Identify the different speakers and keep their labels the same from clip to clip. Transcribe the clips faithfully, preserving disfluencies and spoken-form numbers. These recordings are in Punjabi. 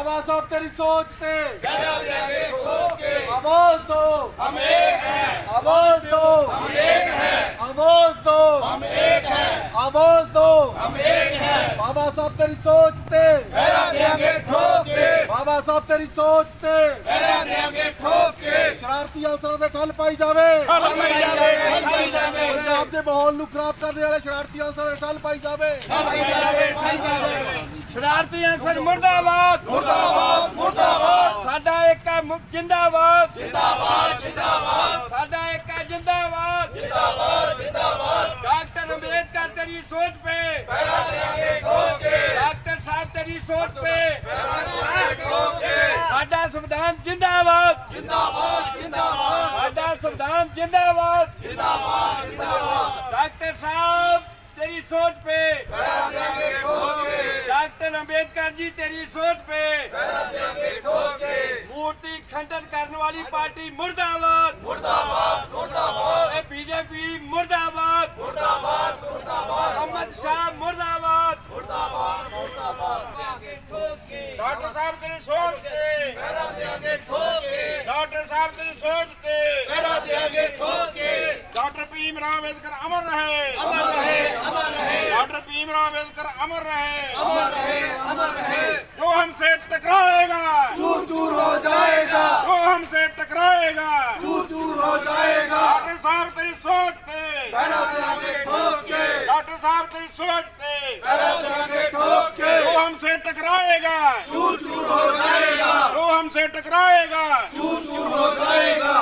Speaker 1: बाबा साहब तेरी सोच पे
Speaker 2: गदा देंगे ठोक के।
Speaker 1: आवाज दो
Speaker 2: हम एक हैं,
Speaker 1: आवाज दो
Speaker 2: हम एक हैं,
Speaker 1: आवाज दो
Speaker 2: हम एक हैं,
Speaker 1: आवाज दो
Speaker 2: हम एक हैं।
Speaker 1: बाबा साहब तेरी सोच पे
Speaker 2: गदा देंगे ठोक के,
Speaker 1: बाबा साहब तेरी सोच पे
Speaker 2: गदा देंगे ठोक के।
Speaker 1: शरारती अनसरां ते ठल पाई जावे
Speaker 2: ठल पाई जावे, ठल पाई जावे,
Speaker 1: पंजाब दे माहौल नूं खराब करने वाले शरारती अनसरां ते ठल पाई जावे
Speaker 2: ठल पाई जावे, ठल पाई जावे।
Speaker 3: शरारती अंसर मुर्दाबाद
Speaker 2: मुर्दाबाद, मुर्दाबाद,
Speaker 3: साडा एक है मुक- जिंदाबाद
Speaker 2: जिंदाबाद, जिंदाबाद,
Speaker 3: साडा एक है जिंदाबाद
Speaker 2: जिंदाबाद, जिंदाबाद।
Speaker 3: डॉक्टर अम्बेडकर तेरी सोच पे
Speaker 2: गदा देंगे ठोक के,
Speaker 3: डॉक्टर साहब तेरी सोच पे
Speaker 2: गदा देंगे ठोक के।
Speaker 3: साडा संविधान जिंदाबाद
Speaker 2: जिंदाबाद, जिंदाबाद,
Speaker 3: साडा संविधान जिंदाबाद
Speaker 2: जिंदाबाद, जिंदाबाद।
Speaker 3: डॉक्टर साहब तेरी सोच पे
Speaker 2: गदा देंगे ठोक के,
Speaker 3: डॉक्टर अम्बेडकर जी तेरी सोच पे
Speaker 2: गदा देंगे ठोक के।
Speaker 3: मूर्ति खंडन करने वाली पार्टी मुर्दाबाद
Speaker 2: मुर्दाबाद, मुर्दाबाद,
Speaker 3: बीजेपी मुर्दाबाद
Speaker 2: मुर्दाबाद, मुर्दाबाद,
Speaker 3: अहमद शाह मुर्दाबाद
Speaker 2: मुर्दाबाद, मुर्दाबाद।
Speaker 3: डॉक्टर साहब तेरी सोच पे
Speaker 2: गदा देंगे ठोक के,
Speaker 3: डॉक्टर साहब तेरी सोच पे
Speaker 2: गदा देंगे ठोक के।
Speaker 3: डॉक्टर भीमराव अम्बेडकर अमर रहे
Speaker 2: अमर रहे, अमर रहे,
Speaker 3: डॉक्टर भीमराव अम्बेडकर अमर रहे
Speaker 2: अमर रहे, अमर रहे।
Speaker 3: जो हमसे टकराएगा
Speaker 1: चूर चूर हो जाएगा
Speaker 3: जो हमसे टकराएगा
Speaker 1: चूर चूर हो जाएगा
Speaker 3: डॉक्टर साहब तेरी सोच पे
Speaker 2: गदा देंगे ठोक के,
Speaker 3: डॉक्टर साहब तेरी सोच पे
Speaker 2: गदा देंगे ठोक के।
Speaker 3: जो हमसे टकराएगा
Speaker 2: चूर चूर हो जाएगा,
Speaker 3: जो हमसे टकराएगा
Speaker 2: चूर चूर हो जाएगा।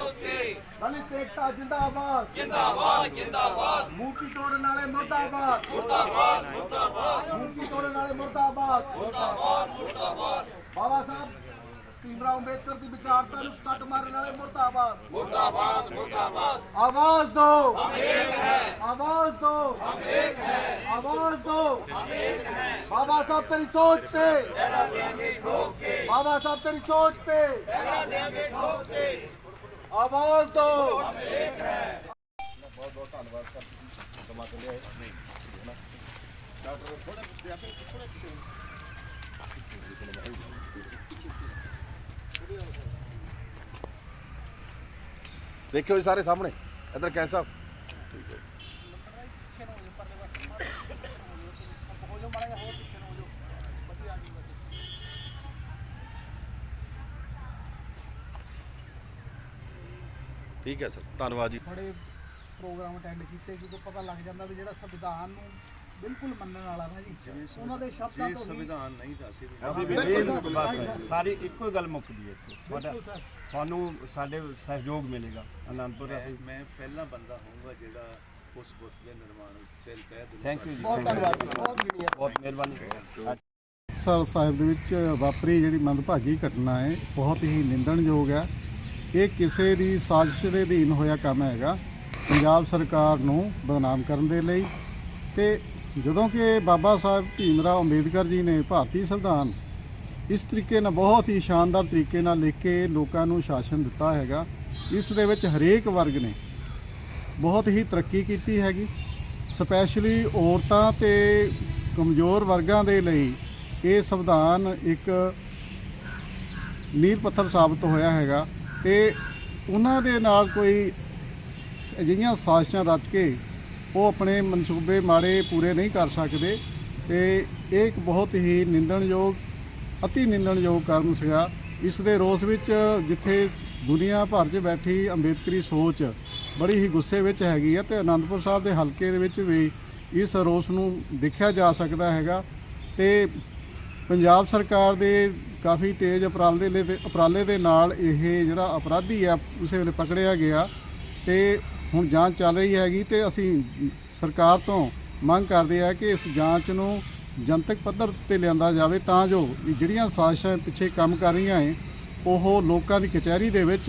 Speaker 1: दलित एकता जिंदाबाद
Speaker 2: जिंदाबाद, जिंदाबाद,
Speaker 1: मूर्ति तोड़ने वाले मुर्दाबाद
Speaker 2: मुर्दाबाद, मुर्दाबाद,
Speaker 1: मूर्ति तोड़ने वाले मुर्दाबाद
Speaker 2: मुर्दाबाद, मुर्दाबाद,
Speaker 1: बाबा साहब भीमराव अंबेडकर की विचारता नूं कट मारने वाले मुर्दाबाद
Speaker 2: मुर्दाबाद, मुर्दाबाद।
Speaker 1: आवाज दो
Speaker 2: हम एक हैं,
Speaker 1: आवाज दो
Speaker 2: हम एक हैं,
Speaker 1: आवाज दो
Speaker 2: हम एक हैं।
Speaker 1: बाबा साहब तेरी सोच पे
Speaker 2: गदा देंगे ठोक के,
Speaker 1: बाबा साहब तेरी सोच पे
Speaker 2: गदा देंगे ठोक के।
Speaker 1: आवाज दो देखियो जी सारे सामने इधर कैसा ठीक है ठीक है सर धन्यवाद जी
Speaker 4: बड़े ਪ੍ਰੋਗਰਾਮ ਅਟੈਂਡ ਕੀਤੇ ਕਿਉਂਕਿ ਪਤਾ ਲੱਗ ਜਾਂਦਾ ਵੀ ਜਿਹੜਾ ਸੰਵਿਧਾਨ ਨੂੰ ਬਿਲਕੁਲ ਮੰਨਣ ਵਾਲਾ ਨਾ ਜੀ ਉਹਨਾਂ ਦੇ ਸ਼ਬਦਾਂ ਤੋਂ ਸੰਵਿਧਾਨ ਨਹੀਂ ਤਾਂ ਅਸੀਂ
Speaker 5: ਸਾਰੀ ਇੱਕੋ ਹੀ ਗੱਲ ਮੁੱਕਦੀ ਹੈ ਤੁਹਾਡਾ
Speaker 4: ਬਿਲਕੁਲ ਸਰ
Speaker 5: ਤੁਹਾਨੂੰ ਸਾਡੇ ਸਹਿਯੋਗ ਮਿਲੇਗਾ ਆਨੰਦਪੁਰ ਅਸੀਂ
Speaker 6: ਮੈਂ ਪਹਿਲਾ ਬੰਦਾ ਹੋਊਗਾ ਜਿਹੜਾ ਉਸ ਬੁੱਤ ਦੇ ਨਿਰਮਾਣ ਵਿੱਚ ਦਿਲ ਤਹਿ ਦਿਲੋਂ
Speaker 5: ਥੈਂਕ ਯੂ ਜੀ
Speaker 1: ਬਹੁਤ ਧੰਨਵਾਦ ਜੀ ਬਹੁਤ ਗਿਣੀਆਂ
Speaker 5: ਬਹੁਤ ਮਿਹਰਬਾਨੀ
Speaker 4: ਸਰ ਸਾਹਿਬ ਦੇ ਵਿੱਚ ਵਾਪਰੀ ਜਿਹੜੀ ਮੰਦਭਾਗੀ ਘਟਨਾ ਹੈ ਬਹੁਤ ਹੀ ਨਿੰਦਣਯੋਗ ਹੈ ਇਹ ਕਿਸੇ ਦੀ ਸਾਜ਼ਿਸ਼ ਦੇ ਅਧੀਨ ਹੋਇਆ ਕੰਮ ਹੈਗਾ ਪੰਜਾਬ ਸਰਕਾਰ ਨੂੰ ਬਦਨਾਮ ਕਰਨ ਦੇ ਲਈ ਤੇ ਜਦੋਂ ਕਿ ਬਾਬਾ ਸਾਹਿਬ ਭੀਮਰਾਓ ਅੰਬੇਦਕਰ ਜੀ ਨੇ ਭਾਰਤੀ ਸੰਵਿਧਾਨ ਇਸ ਤਰੀਕੇ ਨਾਲ ਬਹੁਤ ਹੀ ਸ਼ਾਨਦਾਰ ਤਰੀਕੇ ਨਾਲ ਲਿਖ ਕੇ ਲੋਕਾਂ ਨੂੰ ਸ਼ਾਸਨ ਦਿੱਤਾ ਹੈਗਾ ਇਸ ਦੇ ਵਿੱਚ ਹਰੇਕ ਵਰਗ ਨੇ ਬਹੁਤ ਹੀ ਤਰੱਕੀ ਕੀਤੀ ਹੈਗੀ ਸਪੈਸ਼ਲੀ ਔਰਤਾਂ ਤੇ ਕਮਜ਼ੋਰ ਵਰਗਾਂ ਦੇ ਲਈ ਇਹ ਸੰਵਿਧਾਨ ਇੱਕ ਨੀਂਹ ਪੱਥਰ ਸਾਬਤ ਹੋਇਆ ਹੈਗਾ ਤੇ ਉਹਨਾਂ ਦੇ ਨਾਲ ਕੋਈ ਅਜਿਹੀਆਂ ਸਾਜ਼ਿਸ਼ਾਂ ਰਚ ਕੇ ਉਹ ਆਪਣੇ ਮਨਸੂਬੇ ਮਾੜੇ ਪੂਰੇ ਨਹੀਂ ਕਰ ਸਕਦੇ ਤੇ ਇਹ ਇੱਕ ਬਹੁਤ ਹੀ ਨਿੰਦਣਯੋਗ ਅਤੀ ਨਿੰਦਣਯੋਗ ਕਾਰਨ ਸੀਗਾ ਇਸ ਦੇ ਰੋਸ ਵਿੱਚ ਜਿੱਥੇ ਦੁਨੀਆ ਭਰ 'ਚ ਬੈਠੀ ਅੰਬੇਦਕਰੀ ਸੋਚ ਬੜੀ ਹੀ ਗੁੱਸੇ ਵਿੱਚ ਹੈਗੀ ਹੈ ਤੇ ਆਨੰਦਪੁਰ ਸਾਹਿਬ ਦੇ ਹਲਕੇ ਦੇ ਵਿੱਚ ਵੀ ਇਸ ਰੋਸ ਨੂੰ ਦੇਖਿਆ ਜਾ ਸਕਦਾ ਹੈਗਾ ਤੇ ਪੰਜਾਬ ਸਰਕਾਰ ਦੇ ਕਾਫੀ ਤੇਜ਼ ਉਪਰਾਲੇ ਦੇ ਉਪਰਾਲੇ ਦੇ ਨਾਲ ਇਹ ਜਿਹੜਾ ਅਪਰਾਧੀ ਆ ਉਸੇ ਵੇਲੇ ਪਕੜਿਆ ਗਿਆ ਤੇ ਹੁਣ ਜਾਂਚ ਚੱਲ ਰਹੀ ਹੈਗੀ ਤੇ ਅਸੀਂ ਸਰਕਾਰ ਤੋਂ ਮੰਗ ਕਰਦੇ ਆ ਕਿ ਇਸ ਜਾਂਚ ਨੂੰ ਜਨਤਕ ਪੱਧਰ ਤੇ ਲਿਆਂਦਾ ਜਾਵੇ ਤਾਂ ਜੋ ਇਹ ਜਿਹੜੀਆਂ ਸਾਜ਼ਿਸ਼ਾਂ ਪਿੱਛੇ ਕੰਮ ਕਰ ਰਹੀਆਂ ਹੈ ਉਹ ਲੋਕਾਂ ਦੀ ਕਚਹਿਰੀ ਦੇ ਵਿੱਚ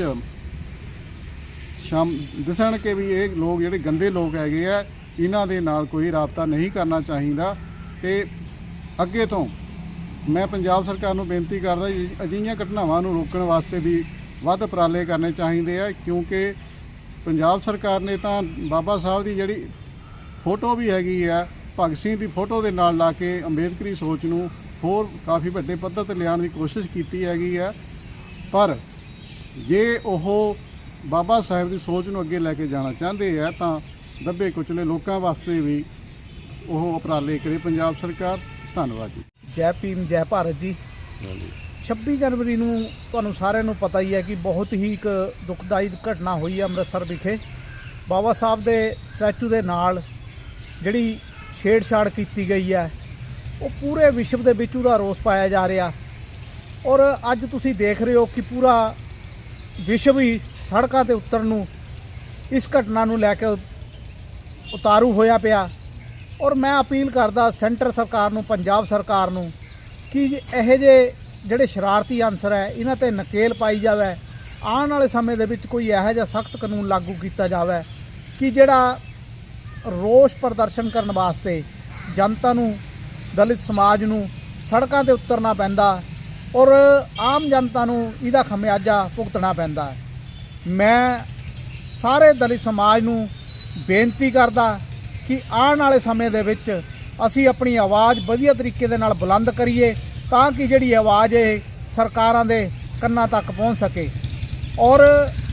Speaker 4: ਸ਼ਾਮ ਦਿਸਣ ਕਿ ਵੀ ਇਹ ਲੋਕ ਜਿਹੜੇ ਗੰਦੇ ਲੋਕ ਹੈਗੇ ਆ ਇਹਨਾਂ ਦੇ ਨਾਲ ਕੋਈ ਰਾਬਤਾ ਨਹੀਂ ਕਰਨਾ ਚਾਹੀਦਾ ਤੇ ਅੱਗੇ ਤੋਂ ਮੈਂ ਪੰਜਾਬ ਸਰਕਾਰ ਨੂੰ ਬੇਨਤੀ ਕਰਦਾ ਅਜਿਹੀਆਂ ਘਟਨਾਵਾਂ ਨੂੰ ਰੋਕਣ ਵਾਸਤੇ ਵੀ ਵੱਧ ਉਪਰਾਲੇ ਕਰਨੇ ਚਾਹੀਦੇ ਆ ਕਿਉਂਕਿ ਪੰਜਾਬ ਸਰਕਾਰ ਨੇ ਤਾਂ ਬਾਬਾ ਸਾਹਿਬ ਦੀ ਜਿਹੜੀ ਫੋਟੋ ਵੀ ਹੈਗੀ ਆ ਭਗਤ ਸਿੰਘ ਦੀ ਫੋਟੋ ਦੇ ਨਾਲ ਲਾ ਕੇ ਅੰਬੇਦਕਰੀ ਸੋਚ ਨੂੰ ਹੋਰ ਕਾਫੀ ਵੱਡੇ ਪੱਧਰ ਤੇ ਲਿਆਉਣ ਦੀ ਕੋਸ਼ਿਸ਼ ਕੀਤੀ ਹੈਗੀ ਹੈ। ਪਰ ਜੇ ਉਹ ਬਾਬਾ ਸਾਹਿਬ ਦੀ ਸੋਚ ਨੂੰ ਅੱਗੇ ਲੈ ਕੇ ਜਾਣਾ ਚਾਹੁੰਦੇ ਆ ਤਾਂ ਦੱਬੇ ਕੁਚਲੇ ਲੋਕਾਂ ਵਾਸਤੇ ਵੀ ਉਹ ਉਪਰਾਲੇ ਕਰੇ ਪੰਜਾਬ ਸਰਕਾਰ। ਧੰਨਵਾਦ ਜੀ।
Speaker 7: ਜੈ ਭੀਮ ਜੈ ਭਾਰਤ ਜੀ। ਛੱਬੀ ਜਨਵਰੀ ਨੂੰ ਤੁਹਾਨੂੰ ਸਾਰਿਆਂ ਨੂੰ ਪਤਾ ਹੀ ਹੈ ਕਿ ਬਹੁਤ ਹੀ ਇੱਕ ਦੁਖਦਾਈ ਘਟਨਾ ਹੋਈ ਹੈ ਅੰਮ੍ਰਿਤਸਰ ਵਿਖੇ। ਬਾਬਾ ਸਾਹਿਬ ਦੇ ਸਟੈਚੂ ਦੇ ਨਾਲ ਜਿਹੜੀ ਛੇੜਛਾੜ ਕੀਤੀ ਗਈ ਹੈ ਉਹ ਪੂਰੇ ਵਿਸ਼ਵ ਦੇ ਵਿੱਚ ਉਹਦਾ ਰੋਸ ਪਾਇਆ ਜਾ ਰਿਹਾ। ਔਰ ਅੱਜ ਤੁਸੀਂ ਦੇਖ ਰਹੇ ਹੋ ਕਿ ਪੂਰਾ ਵਿਸ਼ਵ ਹੀ ਸੜਕਾਂ ਤੇ ਉਤਰਨ ਨੂੰ ਇਸ ਘਟਨਾ ਨੂੰ ਲੈ ਕੇ ਉਤਾਰੂ ਹੋਇਆ ਪਿਆ। ਔਰ ਮੈਂ ਅਪੀਲ ਕਰਦਾ ਸੈਂਟਰ ਸਰਕਾਰ ਨੂੰ, ਪੰਜਾਬ ਸਰਕਾਰ ਨੂੰ ਕਿ ਇਹੋ ਜਿਹੇ ਜਿਹੜੇ ਸ਼ਰਾਰਤੀ ਅਨਸਰ ਹੈ ਇਹਨਾਂ ਤੇ ਨਕੇਲ ਪਾਈ ਜਾਵੇ। ਆਉਣ ਵਾਲੇ ਸਮੇਂ ਦੇ ਵਿੱਚ ਕੋਈ ਇਹੋ ਜਿਹਾ ਸਖਤ ਕਾਨੂੰਨ ਲਾਗੂ ਕੀਤਾ ਜਾਵੇ ਕਿ ਜਿਹੜਾ ਰੋਸ ਪ੍ਰਦਰਸ਼ਨ ਕਰਨ ਵਾਸਤੇ ਜਨਤਾ ਨੂੰ, ਦਲਿਤ ਸਮਾਜ ਨੂੰ ਸੜਕਾਂ ਤੇ ਉਤਰਨਾ ਪੈਂਦਾ ਔਰ ਆਮ ਜਨਤਾ ਨੂੰ ਇਹਦਾ ਖਮਿਆਜਾ ਭੁਗਤਣਾ ਪੈਂਦਾ। ਮੈਂ ਸਾਰੇ ਦਲਿਤ ਸਮਾਜ ਨੂੰ ਬੇਨਤੀ ਕਰਦਾ ਕਿ ਆਉਣ ਵਾਲੇ ਸਮੇਂ ਦੇ ਵਿੱਚ ਅਸੀਂ ਆਪਣੀ ਆਵਾਜ਼ ਵਧੀਆ ਤਰੀਕੇ ਦੇ ਨਾਲ ਬੁਲੰਦ ਕਰੀਏ ਤਾਂ ਕਿ ਜਿਹੜੀ ਆਵਾਜ਼ ਇਹ ਸਰਕਾਰਾਂ ਦੇ ਕੰਨਾਂ ਤੱਕ ਪਹੁੰਚ ਸਕੇ। ਔਰ